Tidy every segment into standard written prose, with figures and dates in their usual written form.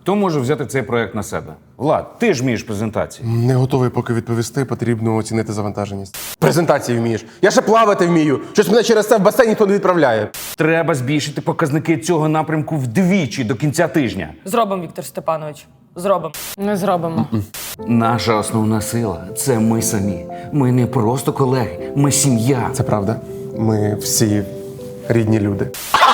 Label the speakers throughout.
Speaker 1: Хто може взяти цей проект на себе? Влад, ти ж вмієш презентації.
Speaker 2: Не готовий поки відповісти, потрібно оцінити завантаженість. Презентації вмієш. Я ще плавати вмію. Щось мене через це в басейн ніхто не відправляє.
Speaker 1: Треба збільшити показники цього напрямку вдвічі до кінця тижня.
Speaker 3: Зробимо, Віктор Степанович. Зробимо. Не зробимо.
Speaker 1: Наша основна сила – це ми самі. Ми не просто колеги, ми сім'я.
Speaker 2: Це правда. Ми всі рідні люди.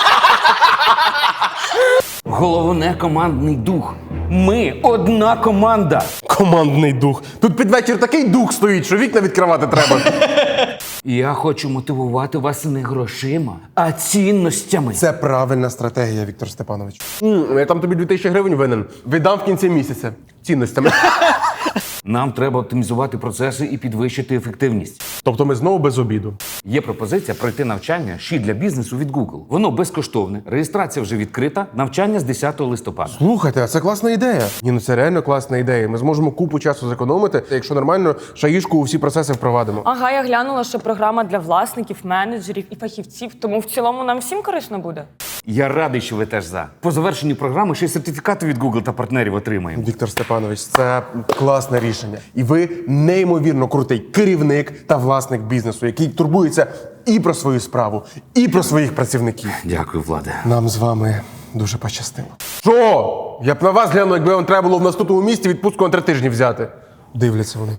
Speaker 1: Головне – командний дух. Ми одна команда.
Speaker 2: Командний дух. Тут під вечір такий дух стоїть, що вікна відкривати треба.
Speaker 1: Я хочу мотивувати вас не грошима, а цінностями.
Speaker 2: Це правильна стратегія, Віктор Степанович. Я там тобі 2000 гривень винен. Віддам в кінці місяця. Цінностями.
Speaker 1: Нам треба оптимізувати процеси і підвищити ефективність.
Speaker 2: Тобто ми знову без обіду.
Speaker 1: Є пропозиція пройти навчання «Щит для бізнесу» від Google. Воно безкоштовне, реєстрація вже відкрита, навчання з 10 листопада.
Speaker 2: Слухайте, а це класна ідея. Ні, ну це реально класна ідея. Ми зможемо купу часу зекономити, якщо нормально шаїшку у всі процеси впровадимо.
Speaker 3: Ага, я глянула, що програма для власників, менеджерів і фахівців, тому в цілому нам всім корисно буде.
Speaker 1: Я радий, що ви теж за. По завершенню програми ще й сертифікати від Google та партнерів отримаємо.
Speaker 2: Віктор Степанович, це класне рішення. І ви неймовірно крутий керівник та власник бізнесу, який турбується і про свою справу, і про своїх працівників.
Speaker 1: Дякую, Владе.
Speaker 2: Нам з вами дуже пощастило. Що? Я б на вас глянув, якби вам треба було в наступному місті відпустку на 3 тижні взяти. Дивляться вони.